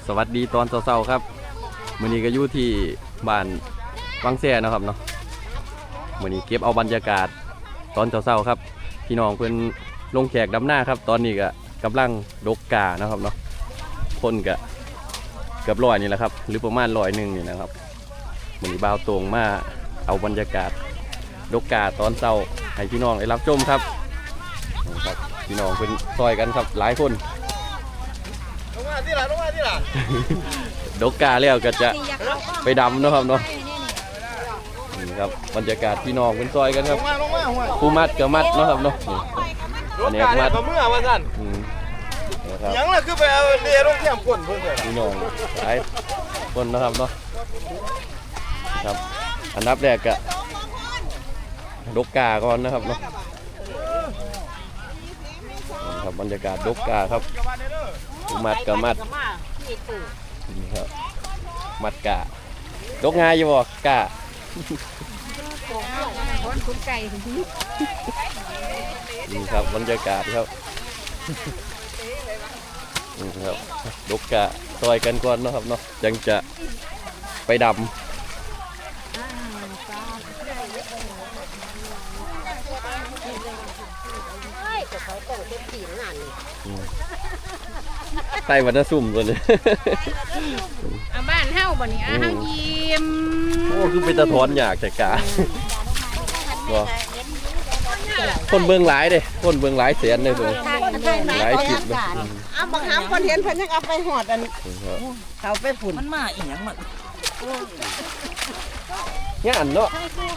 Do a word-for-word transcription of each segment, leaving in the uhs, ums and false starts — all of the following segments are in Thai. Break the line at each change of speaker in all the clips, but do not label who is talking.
สวัสดีตอนเช้าๆครับมื้อนี้ก็อยู่ที่บ้านวังแซ่นะครับเนาะมื้อนี้เก็บเอาบรรยากาศตอนเช้าๆครับพี่น้องเพิ่นลงแขกดำหน้าครับตอนนี้ก็กำลังดกกานะครับเนาะคนก็เกือบร้อยนี่แหละครับหรือประมาณร้อยหนึ่งนี่นะครับมื้อนี้บ่าวตรงมาเอาบรรยากาศดกกาตอนเช้าให้พี่น้องได้รับชมครับครับพี่น้องเพิ่นซอยกันครับหลายคน
ลงมาที่หลังลงมาที่หลัง
ดกกาแล้วก็จะไปดำนะครับเนาะนี่ครับบรรยากาศพี่น้องเป็นซอยกันครับผู้มัดกับมัดเนาะครับเนาะนี่อันนี้มัด
เมื่อวันนั้น
นะครับ
ยังเลยคือไปเอาเรือลงแคมป์คนเพื่อนเลย
พี่น้องหลายคนนะครับเนาะครับอันดับแรกก็ดกกาก่อนนะครับเนาะครับบรรยากาศดกกาครับผู้มัดกับมัดนี่ครับมัดกาดกง่ายอยู่บ่กานี่ครับบรรยากาศครับนี่ครับดกกะซอยกันก่อนเนาะครับเนาะยังจะไปดำไต้วันน่ะซุ่มตัวนี้
บ้านเฮาบ่นี่อ่ะเฮายิ้ม
โอ้คือเป็นตะทอนอยากแต่กาบ่คนเบิ่งหลายเด้คนเบิ่งหลายแสนเลยเบิ่งหลายคลิปเลย
เอาบางครั้งคนเห็นเพิ่นยังเอาไปหอดอันเขาไปฝุ่น
มันมาอีหยังมัน
งานเนาะ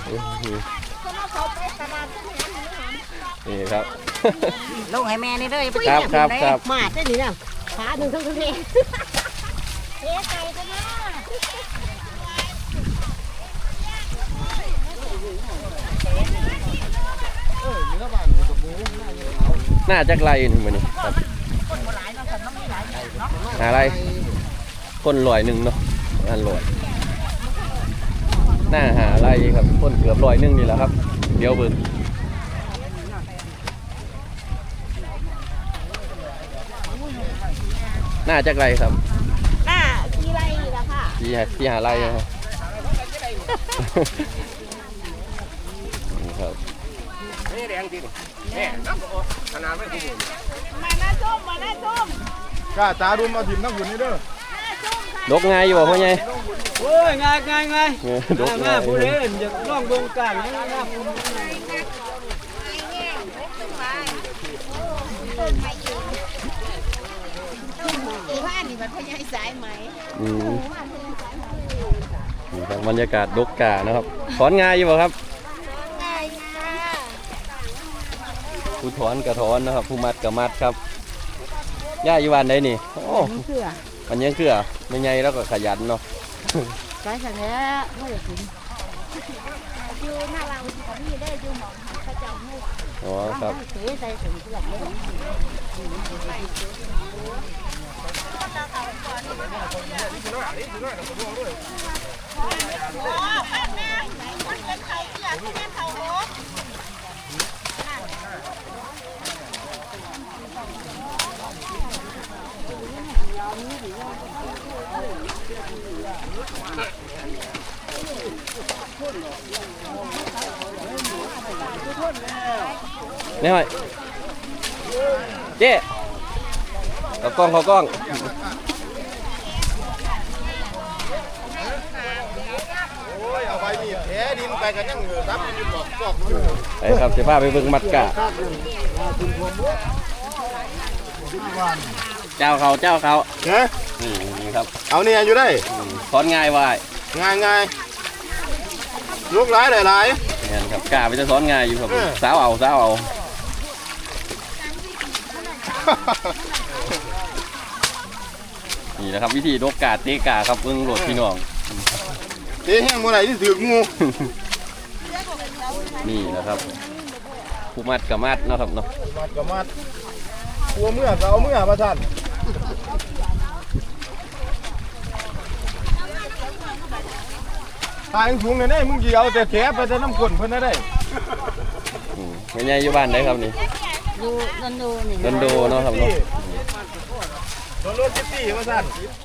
นี่ครับ
ลงให้แม่นี่เด้อ
ครับครับครับ
มาได้นี่น่ะขาหนึ่งทั้งทั้งนี้เอ๊ะไก่กันนะ
น่าจะไกลนี่มื้อนี้ครับหาอะไรคนลอยหนึ่งเนาะอันลอยหน้าหาอะไรครับคนเกือบลอยหนึ่งนี่แหละครับเดี๋ยวเบิ่งน่าจะไกลครับ
หน้าที่ไรล่ะค่ะ
ที่ที่หาอะไรครับนี่ครับ
นี่แดงจริงนี่น้ำก็ขนาดไม่คุ้ม
มาหน้าส้มมาหน้าส้ม
กาตาดุมมาถิ่มทั้งหุ่นนี่เด้อ
ดกง่ายอยู่บ่พ่อใหญ่
โอ้ยง่ายง่ายง่ายดกง่ายผู้เล่นอยากลองวงการให้ง่าย
ว่านี่มันพ่อใหญ่สายไหม
อืมนี่ครับบรรยากาศดกกานะครับถอนง่ายอยู่บ่ครับ
ง่ายค่ะ
ผู้ถอนกระถอนนะครับผู้มัดกระมัดครับย่าอยู่บ้านใดนี่โอ้มันยังเคือไม่ใหญ่แล้วก็ขยันเนาะ
ใช่ค่ะแล้วไม่ได้ถึงอยู่หน้าเราเขามีได้อยู่หมองหันพระเจ้าหู
อ๋อครับ
เสียใจถึงที่หลังเลย
นี่หน่อยเจ๊เขากล้องเขากล้อง
โอ้ยเอาไปมีแผลดินไปกันยังเหลือครับมันบอกบอกอยู่
ไอ้ครับเสียผ้าไปเบิ่งมัดกะเจ้าเขาเจ้าเขา
เนี่ย
นี่ครับ
เอาเนี่ยอยู่ได้
ถอนง่ายว่าย
ง่ายง่ายลูกหลายหลายหลาย
นี่ครับกะไปจะถอนง่ายอยู่ครับสาวเอาสาวเอานี่นะครับวิธีดกกาเตะกาครับเบิ่งโหลดพี่น้อง
เตะแห้งเมื่อไหร่ที่ถืองู
นี่นะครับผู้มัดกับมัดนะครับเนาะ
มัดกับมัดกลัวเมื่อเอาเมื่อมาทันตายสูงเลยเนี่ยมึงกี่เอาแต่แผลไปแต่น้ำก้นเพิ่นได้
ไม่ใช่อยู่บ้านได้ครับนี่
ดูดันดูนี่
ดันดูเนาะครับเนาะ
โดนรถซิตี้มาสั่น